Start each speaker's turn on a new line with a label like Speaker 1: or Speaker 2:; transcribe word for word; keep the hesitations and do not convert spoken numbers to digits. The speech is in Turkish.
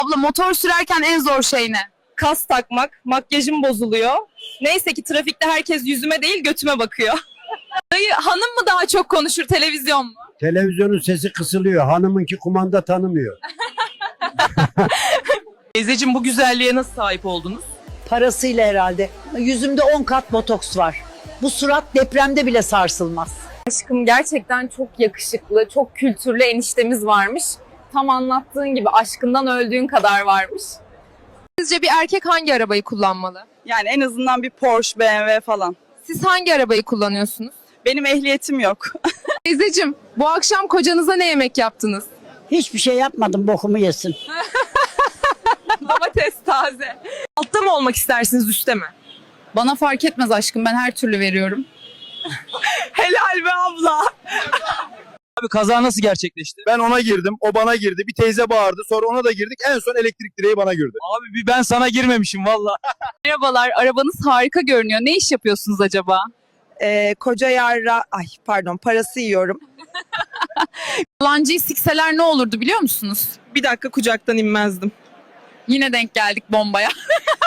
Speaker 1: Abla motor sürerken en zor şey ne?
Speaker 2: Kas takmak, makyajım bozuluyor. Neyse ki trafikte herkes yüzüme değil götüme bakıyor.
Speaker 1: Dayı hanım mı daha çok konuşur, televizyon mu?
Speaker 3: Televizyonun sesi kısılıyor. Hanımınki kumanda tanımıyor.
Speaker 2: Teyzeciğim bu güzelliğe nasıl sahip oldunuz?
Speaker 4: Parasıyla herhalde. Yüzümde on kat botoks var. Bu surat depremde bile sarsılmaz.
Speaker 5: Aşkım gerçekten çok yakışıklı, çok kültürlü eniştemiz varmış. Tam anlattığın gibi aşkından öldüğün kadar varmış.
Speaker 1: Sizce bir erkek hangi arabayı kullanmalı?
Speaker 2: Yani en azından bir Porsche, B M W falan.
Speaker 1: Siz hangi arabayı kullanıyorsunuz?
Speaker 2: Benim ehliyetim yok.
Speaker 1: Teyzeciğim, bu akşam kocanıza ne yemek yaptınız?
Speaker 4: Hiçbir şey yapmadım, bokumu yesin.
Speaker 1: Domates taze.
Speaker 2: Altta mı olmak istersiniz, üstte mi?
Speaker 1: Bana fark etmez aşkım, ben her türlü veriyorum.
Speaker 2: Helal be abla.
Speaker 6: Abi kaza nasıl gerçekleşti? Ben ona girdim, o bana girdi. Bir teyze bağırdı, sonra ona da girdik. En son elektrik direği bana girdi. Abi bir ben sana girmemişim valla.
Speaker 5: Merhabalar, arabanız harika görünüyor. Ne iş yapıyorsunuz acaba?
Speaker 2: Ee, koca yarra, ay pardon parası yiyorum.
Speaker 1: Yalancıyı sikseler ne olurdu biliyor musunuz?
Speaker 2: Bir dakika kucaktan inmezdim.
Speaker 1: Yine denk geldik bombaya.